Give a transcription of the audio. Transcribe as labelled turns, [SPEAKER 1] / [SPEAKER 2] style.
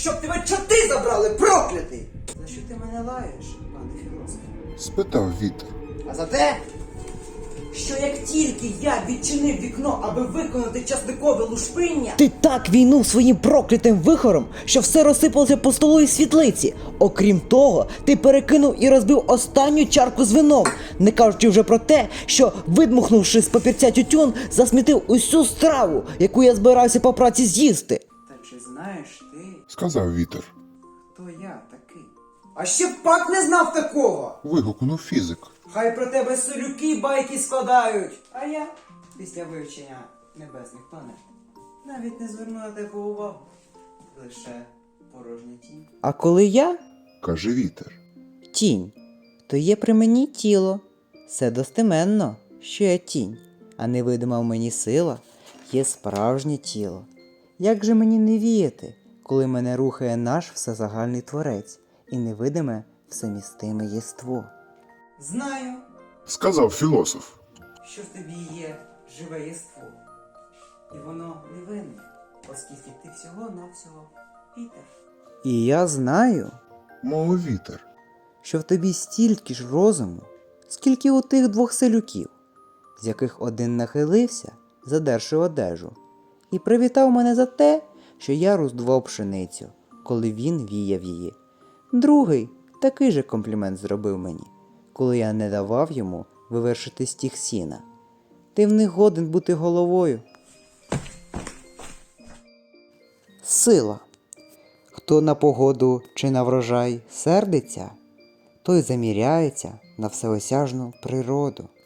[SPEAKER 1] щоб тебе чорти забрали, проклятий! За що ти мене лаєш, пане філософ?
[SPEAKER 2] Спитав вітер.
[SPEAKER 1] А за те, що як тільки я відчинив вікно, аби виконати часникове лушпиння,
[SPEAKER 3] Ти так війнув своїм проклятим вихором, що все розсипалося по столу і світлиці. Окрім того, ти перекинув і розбив останню чарку з вином, не кажучи вже про те, що, видмухнувши з папірця тютюн, засмітив усю страву, яку я збирався по праці з'їсти.
[SPEAKER 1] та чи знаєш ти,
[SPEAKER 2] Сказав вітер.
[SPEAKER 1] хто я такий? А ще б пак не знав такого!
[SPEAKER 2] Вигукнув фізик.
[SPEAKER 1] Хай про тебе селюки байки складають. А я, після вивчення небесних планет, навіть не зверну на тебе увагу. Лише порожня тінь.
[SPEAKER 3] А коли я
[SPEAKER 2] Каже вітер.
[SPEAKER 3] тінь, то є при мені тіло. Все достеменно, що я тінь, а невидима в мені сила є справжнє тіло. Як же мені не віяти, коли мене рухає наш всезагальний творець і невидиме всемістиме єство?
[SPEAKER 1] Знаю,
[SPEAKER 2] Сказав філософ.
[SPEAKER 1] що в тобі є живе єство. І воно невинне, оскільки ти всього-навсього Пітер.
[SPEAKER 3] І я знаю,
[SPEAKER 2] Мовив вітер.
[SPEAKER 3] що в тобі стільки ж розуму, скільки у тих двох селюків, з яких один нахилився, задерши одежу, і привітав мене за те, що я роздував пшеницю, коли він віяв її. Другий такий же комплімент зробив мені, коли я не давав йому вивершити стіг сіна. Ти в них годен бути головою. Сила. Хто на погоду чи на врожай сердиться, той заміряється на всеосяжну природу.